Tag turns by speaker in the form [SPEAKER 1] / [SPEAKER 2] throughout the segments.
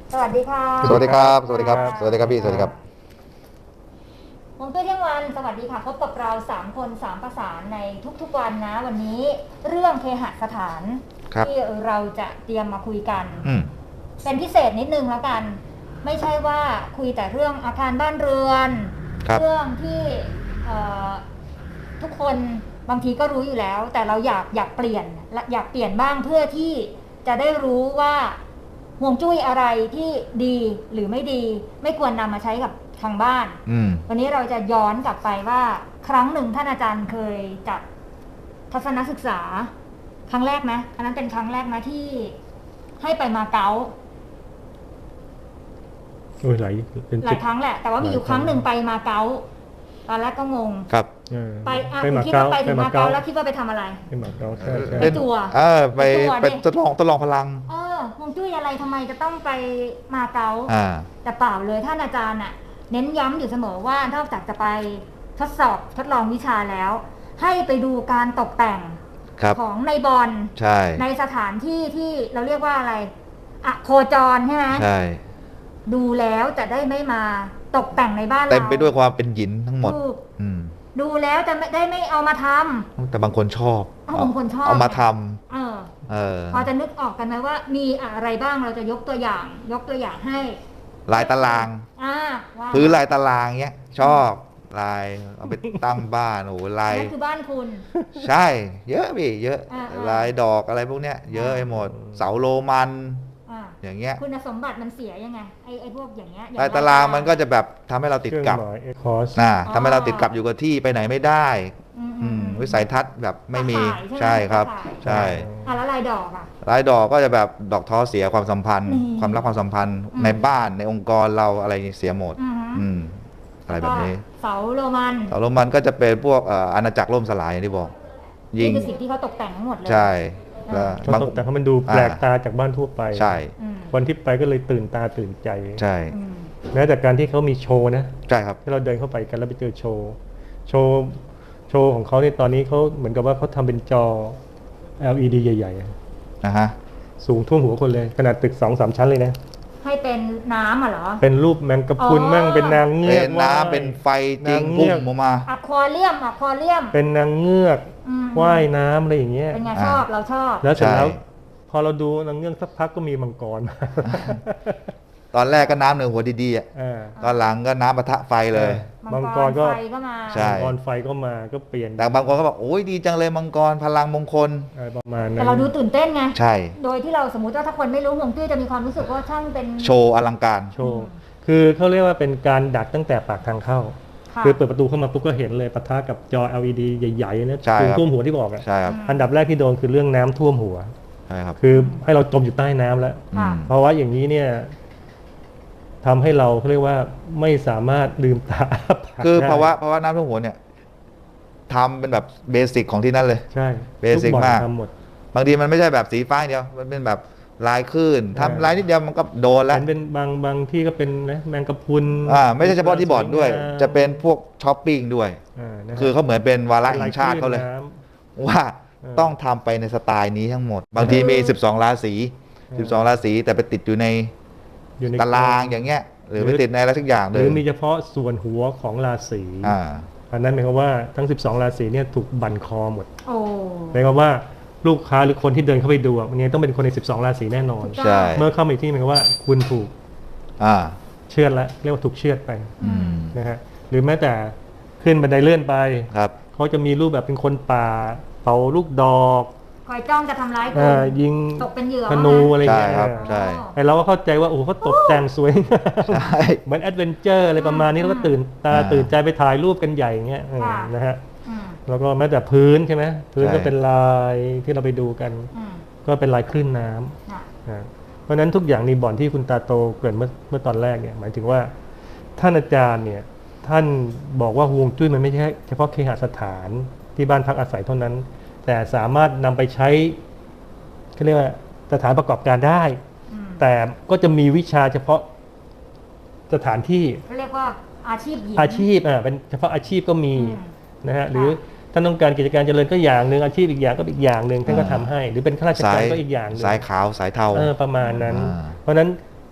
[SPEAKER 1] สวัสดีค่ะ
[SPEAKER 2] สวัสดีครับสวัสดีครับสวัสดีครับพี่สวัสดีครับ
[SPEAKER 1] ฮวงจุ้ยเที่ยงวันสวัสดีค่ะพบกับเรา3คน3ประสานในทุกๆวันนะวันนี้เรื่องเคหสถานที่เราจะเตรียมมาคุยกันเป็นพิเศษนิดนึงแล้วกันไม่ใช่ว่าคุยแต่เรื่องอาคารบ้านเรือนเรื่องที่ทุกคนบางทีก็รู้อยู่แล้วแต่เราอยากเปลี่ยนบ้างเพื่อที่จะได้รู้ว่าฮวงจุ้ยอะไรที่ดีหรือไม่ดีไม่ควรนำมาใช้กับทางบ้านวันนี้เราจะย้อนกลับไปว่าครั้งหนึ่งท่านอาจารย์เคยจัดทัศนศึกษาครั้งแรกไหมอันนั้นเป็นครั้งแรกนะที่ให้ไปมาเก๊า
[SPEAKER 3] หลาย
[SPEAKER 1] ครั้งแหละแต่ว่ามีอยู่ครั้งหนึ่งไปมาเก๊าตอนแรกก็งง
[SPEAKER 2] ครับ
[SPEAKER 1] ไปคิดว่าไปถึงมาเก๊าแล้วคิดว่าไปทำอะไร
[SPEAKER 3] ไปมาเก๊า
[SPEAKER 1] ไปตัว
[SPEAKER 2] ไปทดลองพลัง
[SPEAKER 1] ฮวงจุ้ยอะไรทำไมจะต้องไปมาเก๊าแต่เปล่าเลยท่านอาจารย์น่ะเน้นย้ำอยู่เสมอว่านอกจากจะไปทดลองวิชาแล้วให้ไปดูการตกแต่งของในบอลในสถานที่ที่เราเรียกว่าอะไรโคจรใช่ไหม
[SPEAKER 2] ใช่
[SPEAKER 1] ดูแล้วจะได้ไม่มาตกแต่งในบ้านเรา
[SPEAKER 2] เต็มไปด้วยความเป็นหยินทั้งหมด
[SPEAKER 1] ดูแล้วจะได้ไม่เอามาทำ
[SPEAKER 2] แต่บางคนชอบบางคนชอบเอามาท
[SPEAKER 1] ำพอจะนึกออกกันไหมว่ามีอะไรบ้างเราจะยกตัวอย่างให้
[SPEAKER 2] ลายตารางพื้นลายตารางเงี้ยชอบลายเอาไปตั้งบ้านโอ้ลาย
[SPEAKER 1] นั่นคือบ้านคุณ
[SPEAKER 2] ใช่เยอะพี่เยอะลายดอกอะไรพวกเนี้ยเยอะไปหมดเสาโรมันอย่างเงี้ย
[SPEAKER 1] คุณสมบัติมันเสียยังไงไอ้พวกอย่างเงี้ย
[SPEAKER 2] ลายตารางมันก็จะแบบทำให้เราติดกับทำให้เราติดกับอยู่กับที่ไปไหนไม่ได้วิสัยทัศน์แบบไม่มีใช่ครับใช่
[SPEAKER 1] แล้วลายดอก
[SPEAKER 2] ลายดอกก็จะแบบดอกท้อเสียความสัมพันธ์ความรักความสัมพันธ์ในบ้านในองค์กรเราอะไรเสียหมดอะไรแบบนี้
[SPEAKER 1] เสาโร
[SPEAKER 2] มันก็จะเป็นพวกอาณาจักรล่มสลายอย่างที่บอก
[SPEAKER 1] นี่คือสิ่งที่เขาตกแต่งทั้งหมดเลย
[SPEAKER 2] ใช่
[SPEAKER 3] บางแต่เขามันดูแปลกตาจากบ้านทั่วไป
[SPEAKER 2] ใช่
[SPEAKER 3] วันที่ไปก็เลยตื่นตาตื่นใจ
[SPEAKER 2] ใช่
[SPEAKER 3] แม้แต่การที่เขามีโชว์นะ
[SPEAKER 2] ใช่ครับ
[SPEAKER 3] ที่เราเดินเข้าไปกันแล้วไปเจอโชว์ของเขาในตอนนี้เขาเหมือนกับว่าเขาทำเป็นจอ LED ใหญ่ๆสูงท่วมหัวคนเลยขนาดตึก 2-3 ชั้นเลยนะ
[SPEAKER 1] ให้เป็นน้ำเหรอ
[SPEAKER 3] เป็นรูปแมงกะพรุนมั่งเป็นนางเงือก
[SPEAKER 2] เป็นน้ำเป็นไฟจริงพุ่งออกมา
[SPEAKER 1] อะควาเรียม
[SPEAKER 3] เป็นนางเงือกว่ายน้ำอะไรอย่างเงี้ย
[SPEAKER 1] เป็นไงชอบเราชอบ
[SPEAKER 3] แล้วเสร็จแล้วพอเราดูนางเงือกสักพักก็มีมังกร
[SPEAKER 2] ตอนแรกก็น้ำเหนือหัวดีๆตอนหลังก็น้ำปะทะไฟเลย
[SPEAKER 3] มังกรก็
[SPEAKER 1] มา
[SPEAKER 2] ใช่
[SPEAKER 3] มังกรไฟก็มาก็เปลี่ยน
[SPEAKER 2] แต่บางคนก็บอกโอ้ยดีจังเลยมังกรพลังมงคล
[SPEAKER 3] ประมาณนั้น
[SPEAKER 1] แต่เราดูตื่นเต้นไง
[SPEAKER 2] ใช่
[SPEAKER 1] โดยที่เราสมมติว่าถ้าคนไม่รู้ฮวงจุ้ยจะมีความรู้สึกว่าช่างเป็น
[SPEAKER 2] โชว์อลังการ
[SPEAKER 3] โชว์คือเขาเรียกว่าเป็นการดักตั้งแต่ปากทางเข้าคือเปิดประตูเข้ามาปุ๊บก็เห็นเลยปะทะกับจอ LED ใหญ่ๆนะท่วมหัวที่บอกอันดับแรกที่โดนคือเรื่องน้ำท่วมหัว
[SPEAKER 2] ใช่ครับ
[SPEAKER 3] คือให้เราจมอยู่ใต้น้ำแล้วเพราะว่าอย่างนี้เนี่ยทำให้เราเรียกว่าไม่สามารถลืมตา
[SPEAKER 2] คือเพราะว่าน้ำท่วมหัวเนี่ยทำเป็นแบบเบสิกของที่นั่นเลย
[SPEAKER 3] ใช่
[SPEAKER 2] เบสิกมากบางทีมันไม่ใช่แบบสีฟ้าเดียวมันเป็นแบบลายคลื่นทำลายนิดเดียวมันก็โดนแล้ว
[SPEAKER 3] เป็นบางที่ก็เป็นนะแมงกะพรุน
[SPEAKER 2] ไม่ใช่เฉพาะที่บอร์ดด้วยจะเป็นพวกช้อปปิ้งด้วยคือเขาเหมือนเป็นวาระแห่งชาติเขาเลยว่าต้องทำไปในสไตล์นี้ทั้งหมดบางทีมี12ราศีแต่ไปติดอยู่ในตารางอย่างเงี้ยหรือไปติดในอะไรสักอย่างเลย
[SPEAKER 3] หรือมีเฉพาะส่วนหัวของราศีอันนั้นหมายความว่าทั้ง12ราศีเนี่ยถูกบั่นคอหมดหมายความว่าลูกค้าหรือคนที่เดินเข้าไปดูวันนี้ต้องเป็นคนใน12ราศีแน่นอนเมื่อเข้ามาที่หมายความว่าคุณถูกเชือดแล้วเรียกว่าถูกเชือดไปนะฮะหรือแม้แต่ขึ้นบันไดเลื่อนไปเขาจะมีรูปแบบเป็นคนป่าเป่าลูกดอก
[SPEAKER 1] คอยจ้องจะทำร้ายคุณ
[SPEAKER 3] ยิง
[SPEAKER 1] ตกเป็นเหยื่อ
[SPEAKER 3] ธนูอะไรอย่างเงี้ย
[SPEAKER 2] ใช่
[SPEAKER 3] ไอเราก็เข้าใจว่าโอ้เขาตกแต่งสวยเหมือนแอดเวนเจอร์อะไรประมาณนี้แล้วก็ตื่นใจไปถ่ายรูปกันใหญ่อย่างเงี้ยนะฮะแล้วก็แม้แต่พื้นใช่ไหมพื้นก็เป็นลายที่เราไปดูกันก็เป็นลายคลื่นน้ำเพราะฉะนั้นทุกอย่างในบ่อนที่คุณตาโตเกริ่นเมื่อตอนแรกเนี่ยหมายถึงว่าท่านอาจารย์เนี่ยท่านบอกว่าฮวงจุ้ยมันไม่ใช่เฉพาะเคหสถานที่บ้านพักอาศัยเท่านั้นแต่สามารถนำไปใช้เขาเรียกว่าสถานประกอบการได้แต่ก็จะมีวิชาเฉพาะสถานที่
[SPEAKER 1] เรียกว่าอาชีพ
[SPEAKER 3] เป็นเฉพาะอาชีพก็มีนะฮะหรือท่านต้องการกิจการเจริญก็อย่างหนึ่งอาชีพอีกอย่างก็อีกอย่างหนึ่งท่านก็ทำให้หรือเป็นข้าราชการก็อีกอย่างนึง
[SPEAKER 2] สายขาวสายเทา
[SPEAKER 3] ประมาณนั้นเพราะนั้น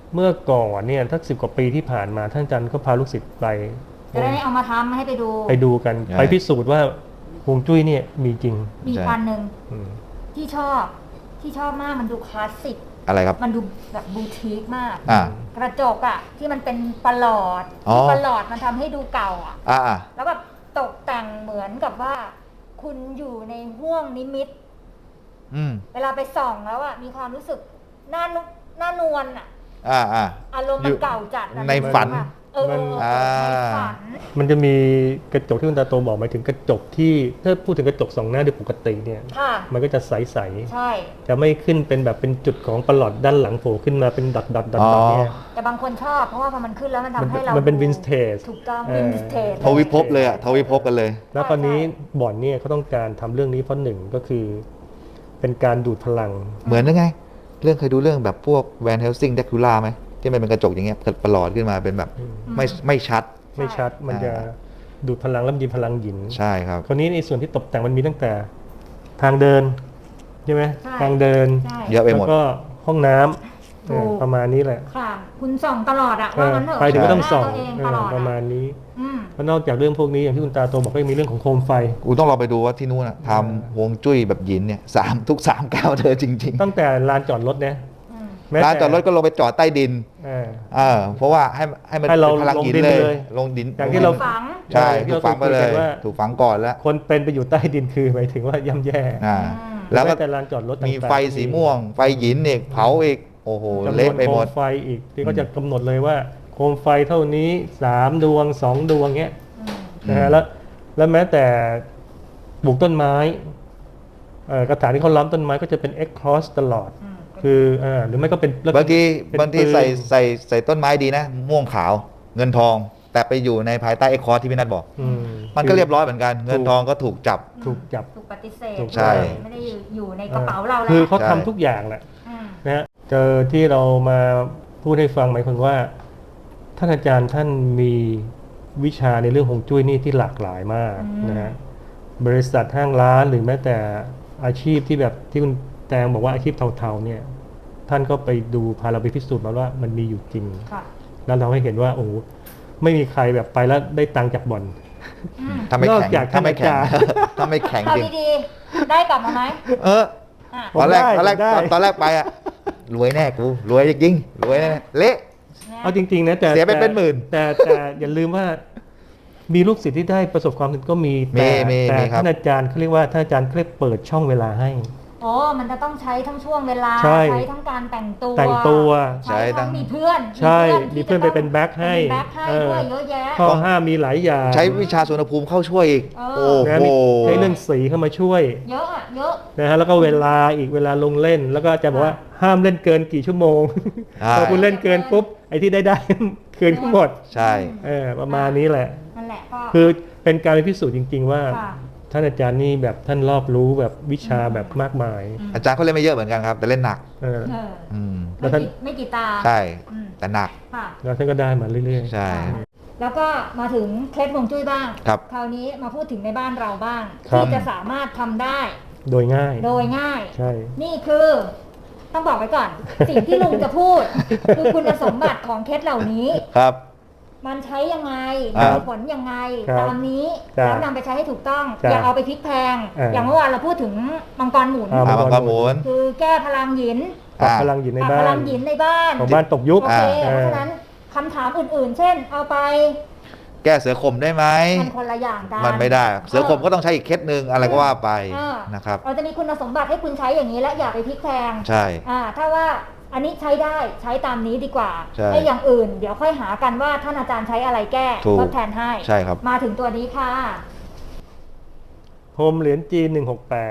[SPEAKER 3] เมื่อก่อนเนี่ยทัก10 กว่าปีที่ผ่านมาท่านอาจารย์ก็พาลูกศิษย์ไป
[SPEAKER 1] จะได้เอามาทำให้ไปดู
[SPEAKER 3] กันไปพิสูจน์ว่าฮวงจุ้ยเนี่ยมีจริง
[SPEAKER 1] มีพันหนึ่ง
[SPEAKER 3] อืม
[SPEAKER 1] ที่ชอบมากมันดูคลาสสิก
[SPEAKER 2] อะไรครับ
[SPEAKER 1] มันดูแบบบูติกมาก
[SPEAKER 2] อ่า
[SPEAKER 1] กระจกอ่ะที่มันเป็นประหลอด
[SPEAKER 2] อ๋อ
[SPEAKER 1] ที่ประหลอดมันทำให้ดูเก่าอ่ะ
[SPEAKER 2] อ่า
[SPEAKER 1] แล้วแบบตกแต่งเหมือนกับว่า คุณอยู่ในห้วงนิมิต
[SPEAKER 2] อืม
[SPEAKER 1] เวลาไปส่องแล้วอ่ะมีความรู้สึกหน้านวลอ่ะ
[SPEAKER 2] อ่า
[SPEAKER 1] อารมณ์มันเก่าจัดอะ
[SPEAKER 2] ในฝัน
[SPEAKER 1] ในฝัน
[SPEAKER 3] มันจะมีกระจกที่คุณตาโตบอกหมายถึงกระจกที่ถ้าพูดถึงกระจกสองหน้าโดยปกติเนี่ย
[SPEAKER 1] ค่ะ
[SPEAKER 3] มันก็จะใส
[SPEAKER 1] ใช่
[SPEAKER 3] ๆจะไม่ขึ้นเป็นแบบเป็นจุดของประหลอดด้านหลังโผล่ขึ้นมาเป็นดอทเนี่ย
[SPEAKER 1] แต่บางคนชอบเพราะว่าพอมันขึ้นแล้วมันทำให้เรา
[SPEAKER 3] มันเป็น
[SPEAKER 1] ดู
[SPEAKER 3] vintage
[SPEAKER 1] ถูกต้อง
[SPEAKER 3] เออ
[SPEAKER 1] วินเทจ
[SPEAKER 2] ทวิภพเลยอะทวิภพกันเลย
[SPEAKER 3] แล้วคราวนี้บ่อนเนี่ยเขาต้องการทำเรื่องนี้เพราะหนึ่งก็คือ เป็นการดูดพลัง
[SPEAKER 2] เหมือนยังไง เรื่องเคยดูเรื่องแบบพวกแวนเฮลซิงเดคูล่าไหมที่มันเป็นกระจกอย่างเงี้ยประหลอดขึ้นมาเป็นแบบไม่ชัด
[SPEAKER 3] ไม่ชัดมันจะดูดพลังแล้วมีพลังหยิน
[SPEAKER 2] ใช่ครับ
[SPEAKER 3] คราวนี้ในส่วนที่ตกแต่งมันมีตั้งแต่ทางเดินใช่ไหม
[SPEAKER 1] ใช่
[SPEAKER 3] ทางเดิน
[SPEAKER 1] ใช่
[SPEAKER 2] เยอะไปหมด
[SPEAKER 3] แล้วก็ห้องน้ำ
[SPEAKER 1] ถูก
[SPEAKER 3] ประมาณนี้แหละ
[SPEAKER 1] ค่ะ คุณส่องตลอดอะว่างั้นเถอะ
[SPEAKER 3] ไปถึงก็ต้องส่อง
[SPEAKER 1] หน้าตัวเองตลอด
[SPEAKER 3] ประ
[SPEAKER 1] อะ
[SPEAKER 3] มาณนี้
[SPEAKER 1] อืม
[SPEAKER 3] แล้วนอกจากเรื่องพวกนี้อย่างที่คุณตาโตบอกก็ยังมีเรื่องของโคมไฟ
[SPEAKER 2] กูต้องลองไปดูว่าที่นู้นอะทำฮวงจุ้ยแบบหยินเนี่ยทุก3 ก้าวเธอจริง
[SPEAKER 3] ตั้งแต่ลานจอดรถนะ
[SPEAKER 1] อืม
[SPEAKER 3] แม้
[SPEAKER 2] ๆร้าน
[SPEAKER 3] แต่
[SPEAKER 2] จอดรถก็ลงไปจอดใต้ดิน เพราะว่าให้มัน
[SPEAKER 3] ให้เรา
[SPEAKER 2] เป็นพลังหยิน
[SPEAKER 3] ลงดิน
[SPEAKER 2] เล
[SPEAKER 3] เลย ย
[SPEAKER 2] ลงดิน
[SPEAKER 3] อย่างที่เรา
[SPEAKER 1] ฝัง
[SPEAKER 2] ใช่
[SPEAKER 3] ที่
[SPEAKER 2] ถู
[SPEAKER 3] เรา
[SPEAKER 2] กฝังไปเลย
[SPEAKER 3] คุยกันว่า
[SPEAKER 2] ถูกฝังก่อนแล้ว
[SPEAKER 3] คนเป็นไปอยู่ใต้ดินคือหมายถึงว่าย่ำแย่
[SPEAKER 2] อ่า
[SPEAKER 1] อืม
[SPEAKER 2] แล้วก็
[SPEAKER 3] ม้แต่ลานจอดรถต่างๆ
[SPEAKER 2] มีไฟสีม่วง ไฟหยินอีกเผาอีกโอ้โห
[SPEAKER 3] จำน
[SPEAKER 2] เละ
[SPEAKER 3] วน
[SPEAKER 2] ไป
[SPEAKER 3] โค
[SPEAKER 2] หม
[SPEAKER 3] ม
[SPEAKER 2] ด
[SPEAKER 3] ไฟอีกที่เขาจะกำหนดเลยว่าโคมไฟเท่านี้3 ดวง 2 ดวงเงี้ย
[SPEAKER 1] อืม
[SPEAKER 3] นะฮะแล้วแม้แต่ปลูกต้นไม้กระถางที่เขาล้อมต้นไม้ก็จะเป็น X cross ตลอด
[SPEAKER 1] อืม
[SPEAKER 3] คือหรือไม่ก็เป็น
[SPEAKER 2] บางที
[SPEAKER 3] เป็น
[SPEAKER 2] บางที
[SPEAKER 3] ปืน
[SPEAKER 2] ใส่ต้นไม้ดีนะ ม่วงขาวเงินทอง แต่ไปอยู่ในภายใต้ไอ้คอร์สที่พี่นัทบอก
[SPEAKER 3] อืม
[SPEAKER 2] มันก็เรียบร้อยเหมือนกัน เงินทองก็ถูกจับ
[SPEAKER 3] ถูกจับ
[SPEAKER 1] ถูกปฏิเสธ
[SPEAKER 3] ถูก
[SPEAKER 2] ใช่
[SPEAKER 1] ไม่ได้อยู่ในกระเป๋าเราแล้ว
[SPEAKER 3] คือเขา
[SPEAKER 2] ใช่
[SPEAKER 3] ทำทุกอย่างแหละ
[SPEAKER 1] อืม
[SPEAKER 3] นะฮะเจอที่เรามาพูดให้ฟังหมายความว่าท่านอาจารย์ท่านมีวิชาในเรื่องฮวงจุ้ยนี่ที่หลากหลายมากนะฮะบริษัทห้างร้านหรือแม้แต่อาชีพที่แบบที่คุณแตงบอกว่าอาชีพเทาๆเนี่ยท่านก็ไปดูพาเราไปพิสูจน์มาว่ามันมีอยู่จริง
[SPEAKER 1] ค่ะ
[SPEAKER 3] แล้วเราให้เห็นว่าโอ้โหไม่มีใครแบบไปแล้วได้ตังค์จากบ่อน
[SPEAKER 1] อืม
[SPEAKER 2] ถ้าไม่
[SPEAKER 3] นอก
[SPEAKER 2] แข็ง
[SPEAKER 3] จาก
[SPEAKER 2] ถ้าไม่แข็ง
[SPEAKER 3] ท่านอาจารย์
[SPEAKER 2] ถ้าไม่แข็ง
[SPEAKER 1] เอา
[SPEAKER 2] จริง
[SPEAKER 1] ดีๆ ได้กลับมาไหม
[SPEAKER 2] เออ
[SPEAKER 1] อ่ะ
[SPEAKER 3] ผม
[SPEAKER 2] ตอนแรก
[SPEAKER 3] ได้
[SPEAKER 2] ตอนแรกไปอะรวยแน่กูรวยจริงๆรวยแน่เละ
[SPEAKER 3] เอาจริงๆนะแต่
[SPEAKER 2] เสียไปเป็นหมื่น
[SPEAKER 3] แต่อย่าลืมว่ามีลูกศิษย์ที่ได้ประสบความสำเร็จก็มี
[SPEAKER 2] มี
[SPEAKER 3] แต่
[SPEAKER 2] ครับ
[SPEAKER 3] ท่านอาจารย์เขาเรียกว่าท่านอาจารย์เขาเรียกเปิดช่องเวลาให้
[SPEAKER 1] โอ้มันจะต้องใช้ทั้งช่วงเวลา
[SPEAKER 3] ใช่
[SPEAKER 1] ทั้งการแต่งตัว
[SPEAKER 3] แต่งตัว
[SPEAKER 1] ใช้ทั้งมีเพื่อน
[SPEAKER 3] ใช่
[SPEAKER 1] ที่
[SPEAKER 3] มีเพื่อนไปเป็นแบ็คให้
[SPEAKER 1] เป็นแบ็คให้ด้วยเยอะแยะ
[SPEAKER 3] ข้อห้ามมีหลายอย่าง
[SPEAKER 2] ใช้วิชาสุวรรณภูมิเข้าช่วยอีก
[SPEAKER 1] เออ
[SPEAKER 2] โอ้
[SPEAKER 3] นะ
[SPEAKER 2] โห
[SPEAKER 3] มีใช้เรื่องสีเข้ามาช่วย
[SPEAKER 1] เยอะอ่ะเยอะ
[SPEAKER 3] นะฮะแล้วก็เวลาอีกเวลาลงเล่น แล้วก็อาจารย์บอกว่าห้ามเล่นเกินกี่ชั่วโมง
[SPEAKER 2] ใช่
[SPEAKER 3] พอคุณเล่นเกินปุ๊บไอ้ที่ได้ คืนทั้งหมด
[SPEAKER 2] ใช่
[SPEAKER 3] ประมาณนี้แหละ
[SPEAKER 1] นั่นแหละก็
[SPEAKER 3] คือเป็นการไปพิสูจน์จริง ๆ ว่า
[SPEAKER 1] ค่ะ
[SPEAKER 3] ท่านอาจารย์นี่แบบท่านรอบรู้แบบวิชาแบบมากมาย
[SPEAKER 2] อาจารย์เขาเล่นไม่เยอะเหมือนกันครับ แต่เล่นหนัก
[SPEAKER 3] เออ
[SPEAKER 1] เออ
[SPEAKER 2] อืม
[SPEAKER 3] แล้วท่าน
[SPEAKER 1] ไม่กี่ตา
[SPEAKER 2] ใช่
[SPEAKER 1] อืม
[SPEAKER 2] แต่หนัก
[SPEAKER 1] ค่ะ
[SPEAKER 3] แล้วท่านก็ได้มาเรื่อย
[SPEAKER 2] ใช่
[SPEAKER 1] แล้วก็มาถึงเคล็ดฮวงจุ้ยบ้าง
[SPEAKER 2] ครับ
[SPEAKER 1] คราวนี้มาพูดถึงในบ้านเราบ้าง
[SPEAKER 3] ครับ
[SPEAKER 1] ที่จะสามารถทำได้
[SPEAKER 3] ๆ โดยง่าย
[SPEAKER 1] โดยง่าย
[SPEAKER 3] ใช่
[SPEAKER 1] นี่คือ ต้องบอกไว้ก่อน สิ่งที่ลุงจะพูด คือคุณสมบัติของเคล็ดเหล่านี้
[SPEAKER 2] ครับ
[SPEAKER 1] มันใช้ยังไง
[SPEAKER 2] ครับ
[SPEAKER 1] มีผลยังไง
[SPEAKER 3] ครับ
[SPEAKER 1] ตามนี้
[SPEAKER 3] ครับ
[SPEAKER 1] แล้วนำไปใช้ให้ถูกต้อง
[SPEAKER 3] ครับ
[SPEAKER 1] อย่าเอาไปพลิกแพง อย่างเมื่อวานเราพูดถึงมังกรหมุน
[SPEAKER 3] อ่า
[SPEAKER 2] มังกรหมุน
[SPEAKER 1] คือแก้พลังหยิน
[SPEAKER 3] ปรับ
[SPEAKER 2] อ่า
[SPEAKER 3] พลังหยินใน
[SPEAKER 1] ปรับ
[SPEAKER 3] บ้า
[SPEAKER 1] พลั
[SPEAKER 3] น
[SPEAKER 1] งหยินในบ้าน
[SPEAKER 3] ของบ้านตกยุค
[SPEAKER 1] โอเค
[SPEAKER 3] อ่า
[SPEAKER 1] เพราะฉะนั้นคำถามอื่นๆ เช่น เอาไป
[SPEAKER 2] แก้เสือข่มได้ไหม
[SPEAKER 1] มันคนละอย่างกัน
[SPEAKER 2] มันไม่ได้ เสือข่มก็ต้องใช้อีกเคสหนึ่งอะไรก็ว่าไป
[SPEAKER 1] อ่า
[SPEAKER 2] นะครับ
[SPEAKER 1] เราจะมีคุณสมบัติให้คุณใช้อย่างนี้และอย่าไปพลิกแพง
[SPEAKER 2] ใช่
[SPEAKER 1] ถ้าว่าอันนี้ใช้ได้ใช้ตามนี้ดีกว่า
[SPEAKER 2] ใช่
[SPEAKER 1] ไอ้อย่างอื่น เดี๋ยวค่อยหากันว่าท่านอาจารย์ใช้อะไรแก้
[SPEAKER 2] ถูก
[SPEAKER 1] ทดแทนให้
[SPEAKER 2] ใช่ครับ
[SPEAKER 1] มาถึงตัวนี้ค่ะ
[SPEAKER 3] พรมเหรียญจีน168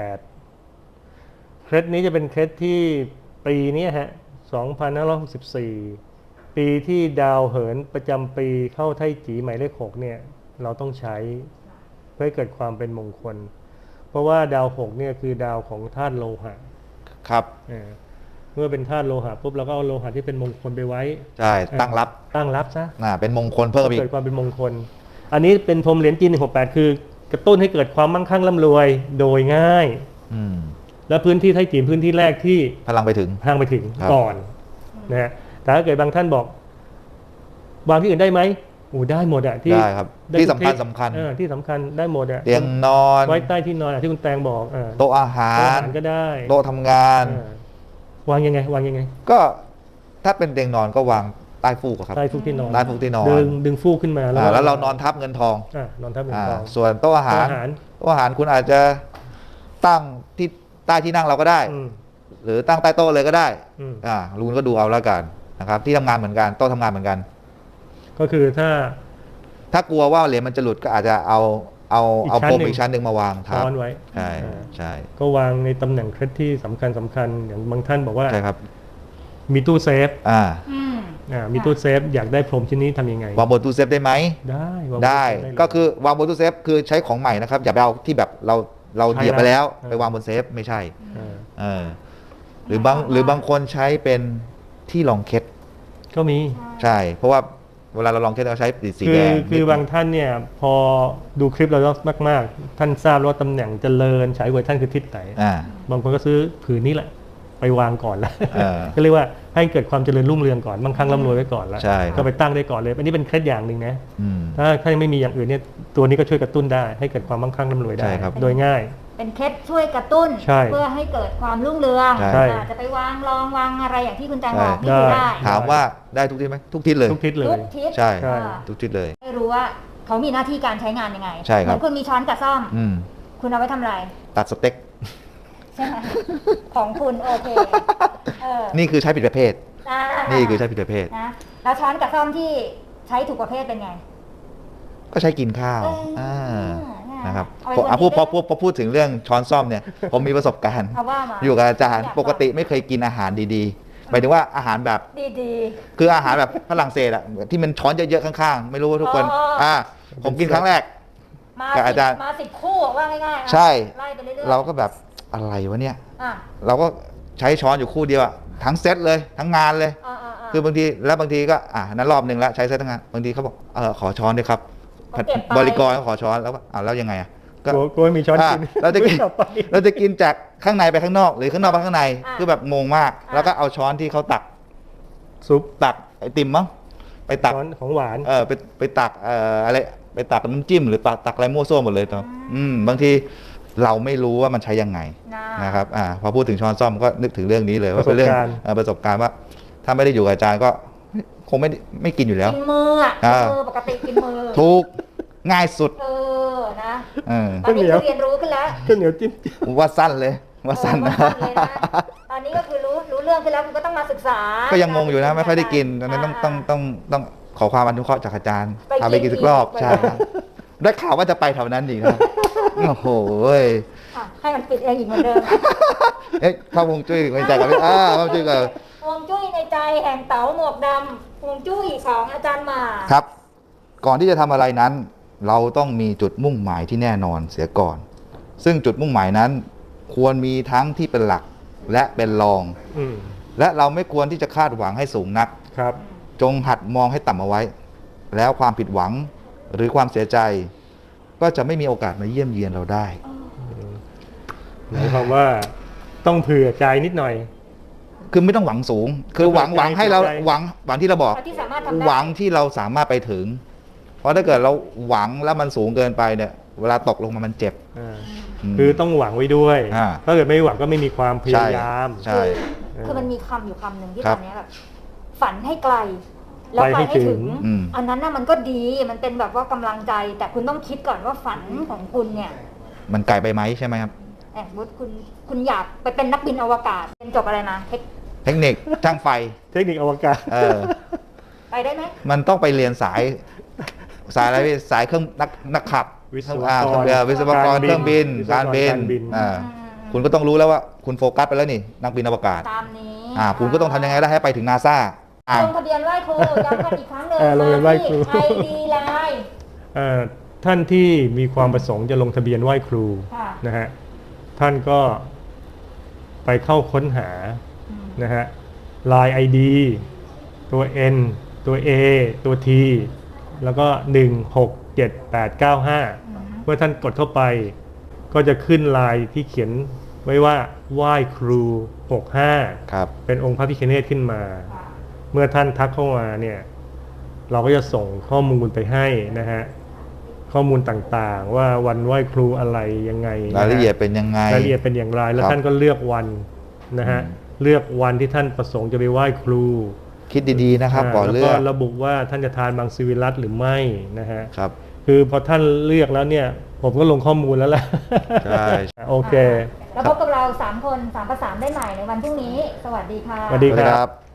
[SPEAKER 3] เคล็ดนี้จะเป็นเคล็ดที่ปีนี้ฮะ2564ปีที่ดาวเหินประจำปีเข้าไท่จีหมายเลข6เนี่ยเราต้องใช้เพื่อให้เกิดความเป็นมงคล เพราะว่าดาว6เนี่ยคือดาวของธาตุโลหะ
[SPEAKER 2] ครับ
[SPEAKER 3] เมื่อเป็นธาตุโลหะปุ๊บเราก็เอาโลหะที่เป็นมงคลไปไว้
[SPEAKER 2] ใช่ตั้งรับ
[SPEAKER 3] ตั้งรับซะ
[SPEAKER 2] เป็นมงคลเพิ่มอีก
[SPEAKER 3] เกิดความเป็นมงคล อันนี้เป็นพรมเหรียญจีน168คือกระตุ้นให้เกิดความมั่งคั่งร่ำรวยโดยง่าย
[SPEAKER 2] อืม
[SPEAKER 3] และพื้นที่ไทยจีนพื้นที่แรกที่
[SPEAKER 2] พลังไปถึง
[SPEAKER 3] ทางไปถึง
[SPEAKER 2] ครับ
[SPEAKER 3] ก่อนนะฮะแต่ถ้าเกิดบางท่านบอกวางที่อื่นได้ไหมโอ้ได้หมดอะที่
[SPEAKER 2] ได้ครับที่สำคัญ
[SPEAKER 3] ที่สำคัญได้หมดอะ
[SPEAKER 2] เตียงนอน
[SPEAKER 3] ไว้ใต้ที่นอนที่คุณแตงบอก
[SPEAKER 2] โต๊ะอาหาร
[SPEAKER 3] ก็ได้
[SPEAKER 2] โต๊ะทำงาน
[SPEAKER 3] วางยังไง
[SPEAKER 2] ก็ถ้าเป็นเตียงนอนก็วางใต้ฟูกครับ
[SPEAKER 3] ใต้ฟูกที่นอนดึงฟูกขึ้นมา
[SPEAKER 2] แล้วเรานอนทับเงินทอง
[SPEAKER 3] นอนทับเงินทอง
[SPEAKER 2] ส่วนโต๊ะอาหารคุณอาจจะตั้งที่ใต้ที่นั่งเราก็ได้หรือตั้งใต้โต๊ะเลยก็ได้ลุงก็ดูเอาแล้วกันนะครับที่ทำงานเหมือนกันโต๊ะทำงานเหมือนกัน
[SPEAKER 3] ก็คือ
[SPEAKER 2] ถ้ากลัวว่าเหรียญมันจะหลุดก็อาจจะเอาพรมอีกชั้นหนึ่งมาวางทับ
[SPEAKER 3] ไว้
[SPEAKER 2] ใช่
[SPEAKER 3] ก็วางในตำแหน่งเคล็ดที่สำคัญอย่างบางท่านบอกว่า
[SPEAKER 2] ใช่ครับ
[SPEAKER 3] มีตู้เซฟมีตู้เซฟอยากได้พรมชิ้นนี้ทำยังไง
[SPEAKER 2] วางบนตู้เซฟได้ไหมได้ก็คือวางบนตู้เซฟคือใช้ของใหม่นะครับอย่าไปเอาที่แบบเราเหยียบไปแล้วไปวางบนเซฟไม่ใช่หรือบางคนใช้เป็นที่รองเคล็ด
[SPEAKER 3] ก็มี
[SPEAKER 2] ใช่เพราะว่าเวลาเราลองเคล็ดเราใช้สีแดง
[SPEAKER 3] คือบางท่านเนี่ยพอดูคลิปเรามากท่านทราบว่าตำแหน่งเจริญฉายหัวท่านคือทิศไหนบางคนก็ซื้อผืนนี้แหละไปวางก่อนแล้วก็เรียกว่าให้เกิดความเจริญรุ่งเรืองก่อนมั่งคั่งร่ำรวยไว้ก่อนแล้วก็ไปตั้งได้ก่อนเลยอันนี้เป็นเคล็ดอย่างหนึ่งนะถ้าไม่มีอย่างอื่นเนี่ยตัวนี้ก็ช่วยกระตุ้นได้ให้เกิดความมั่งคั่งร่ำรวยได้โดยง่าย
[SPEAKER 1] เป็นเคล็ดช่วยกระตุ้นเพื่อให้เกิดความรุ่งเรืองจะไปวางอะไรอย่างที่คุณแจงบอกนี่ได้
[SPEAKER 2] ถามว่าได้ทุกทิศไหมทุกทิศเลยใช่ทุกทิศเลย
[SPEAKER 1] ไม่รู้ว่าเขามีหน้าที่การใช้งานยังไง
[SPEAKER 2] ใช่ครับ
[SPEAKER 1] คุณมีช้อนกับซ่อมคุณเอาไว้ทำอะไร
[SPEAKER 2] ตัดสเต็ก
[SPEAKER 1] ใช่ไหมของคุณโอเค
[SPEAKER 2] นี่คือใช้ผิดประเภทนี่คือใช้ผิดประเภท
[SPEAKER 1] นะแล้วช้อนกับซ่อมที่ใช้ถูกประเภทเป็นไง
[SPEAKER 2] ก็ใช้กินข้าวนะครับพอพูดถึงเรื่องช้อนซ่อมเนี่ยผมมีประสบการณ์อยู่กับอาจารย์ปกติไม่เคยกินอาหารดีๆหมายถึงว่าอาหารแบบ
[SPEAKER 1] ดี
[SPEAKER 2] ๆคืออาหารแบบฝรั่งเศสอะที่มันช้อนเยอะๆข้างๆไม่รู้ว่าทุกคนผมกินครั้งแรกกับอาจารย์
[SPEAKER 1] มา10 คู่ว่าง่าย
[SPEAKER 2] ๆใช่เราก็แบบอะไรวะเนี่ยเราก็ใช้ช้อนอยู่คู่เดียวทั้งเซตเลยทั้งงานเลยคือบางทีก็นั้นรอบนึงแล้วใช้เซตทั้งงานบางทีเขาบอกขอช้อนด้วยครับบริกรขอช้อนแล้วแล้วยังไง
[SPEAKER 3] ก็มีช้อนกิน
[SPEAKER 2] เราจะกินจากข้างในไปข้างนอกหรือข้างนอกไปข้างในคือแบบงงมากแล้วก็เอาช้อนที่เขาตักซุปตักไอติมมั้งไปตัก
[SPEAKER 3] ของหวาน
[SPEAKER 2] ไปตักอะไรไปตักน้ำจิ้มหรือตักอะไรมั่วซั่วหมดเลยตอนบางทีเราไม่รู้ว่ามันใช้ยังไงนะครับพอพูดถึงช้อนซ่อมก็นึกถึงเรื่องนี้เลยว่าเป็นเรื่องประสบการณ์ว่าถ้าไม่ได้อยู่กับอาจารย์ก็คงไม่กินอยู่แล้ว
[SPEAKER 1] กินมือปกติกินมือ
[SPEAKER 2] ถูกง่ายสุด
[SPEAKER 1] นะตอนนี้คือเรียนรู้ขึ้นแล้ว
[SPEAKER 3] ข้าวเหนียวจิ้ม
[SPEAKER 2] ว่าสั้นเลยว่าสั้นนะ
[SPEAKER 1] ตอนนี้ก็คือรู้เรื่องขึ้นแล้วคุณก็ต้องมาศึกษา
[SPEAKER 2] ก็ยังงงอยู่นะไม่ค่อยได้กินตอนนั้นต้องขอความอนุเคราะห์จากอาจารย์พาไปกินสักรอบใช่ได้ข่าวว่าจะไปแถวนั้นอีกครับโอ้โห
[SPEAKER 1] ให้มันปิดเองอีกเหมือนเดิม
[SPEAKER 2] เข้าฮวงจุ้ยในใจกันเข้าจุ้ยกัน
[SPEAKER 1] ฮวงจุ้ยในใจแห่งเต๋าหมวกดำฮวงจุ้ยของอาจารย์หมา
[SPEAKER 2] ครับก่อนที่จะทำอะไรนั้นเราต้องมีจุดมุ่งหมายที่แน่นอนเสียก่อนซึ่งจุดมุ่งหมายนั้นควรมีทั้งที่เป็นหลักและเป็นรองและเราไม่ควรที่จะคาดหวังให้สูงนักจงหัดมองให้ต่ำเอาไว้แล้วความผิดหวังหรือความเสียใจก็จะไม่มีโอกาสมาเยี่ยมเยียนเราได้
[SPEAKER 3] หมายความว่าต้องเผื่อใจนิดหน่อย
[SPEAKER 2] คือไม่ต้องหวังสูงคือหวังให้เราหวังที่เราบอกหวังที่เราสามารถไปถึงเพราะถ้าเกิดเราหวังแล้วมันสูงเกินไปเนี่ยเวลาตกลงมามันเจ็บ
[SPEAKER 3] คือต้องหวังไว้ด้วยถ้าเกิดไม่หวังก็ไม่มีความพยายาม
[SPEAKER 2] ใช่
[SPEAKER 1] คือมันมีคำอยู่คำหนึ่งที่ตอนนี้แบบฝันให้ไกลแล้วไปให้ถึงอันนั้นน่ะมันก็ดีมันเป็นแบบว่ากำลังใจแต่คุณต้องคิดก่อนว่าฝันของคุณเนี่ย
[SPEAKER 2] มันไกลไปไหมใช่ไหมครับ
[SPEAKER 1] คุณอยากไปเป็นนักบินอวกาศเป็นจบอะไรนะ
[SPEAKER 2] เทคนิคช่างไฟ
[SPEAKER 3] เทคนิคอวกาศ
[SPEAKER 1] ไปได้ไหม
[SPEAKER 2] มันต้องไปเรียนสายอะไรสายเครื่องนักขับวิศวกรเครื่องบินการบินคุณก็ต้องรู้แล้วว่าคุณโฟกัสไปแล้วนี่นักบินอวกาศ
[SPEAKER 1] ตามนี้
[SPEAKER 2] คุณก็ต้องทำยังไงได้ให้ไปถึงนาซา
[SPEAKER 1] ลงทะเบียนไหว้ครูย้ำกันอีกครั้งหนึ่ง
[SPEAKER 3] ลงทะเบียนไหว้ครู
[SPEAKER 1] ID ไลน์
[SPEAKER 3] ท่านที่มีความประสงค์จะลงทะเบียนไหว้ครูนะฮะท่านก็ไปเข้าค้นหานะฮะ Line ID ตัว N ตัว A ตัว T แล้วก็167895เมื่อท่านกดเข้าไปก็จะขึ้นไลน์ที่เขียนไว้ว่าไหว้ครู65เป็นองค์พระพิฆเนศขึ้นมามื่อท่านทักเข้ามาเนี่ยเราก็จะส่งข้อมูลไปให้นะฮะข้อมูลต่างๆว่าวันไหว้ครูอะไรยังไง
[SPEAKER 2] รายละเอียดเป็นยังไง
[SPEAKER 3] รายละเอียดเป็นอย่างไรแล้วท่านก็เลือกวันนะฮะเลือกวันที่ท่านประสงค์จะไปไหว้ครู
[SPEAKER 2] คิดดีๆนะครับก่อนเลือก
[SPEAKER 3] แล้วก็ระบุว่าท่านจะทานมังสวิรัติหรือไม่นะฮะ
[SPEAKER 2] ครับ
[SPEAKER 3] คือพอท่านเลือกแล้วเนี่ยผมก็ลงข้อมูลแล้วแหละ
[SPEAKER 2] ใช่
[SPEAKER 3] โอเค
[SPEAKER 1] แล้วพบกับเรา3 คน3 ประสานได้ใหม่ในวันพรุ่งนี้สวัสดีค่ะ
[SPEAKER 3] สวัสดีครับ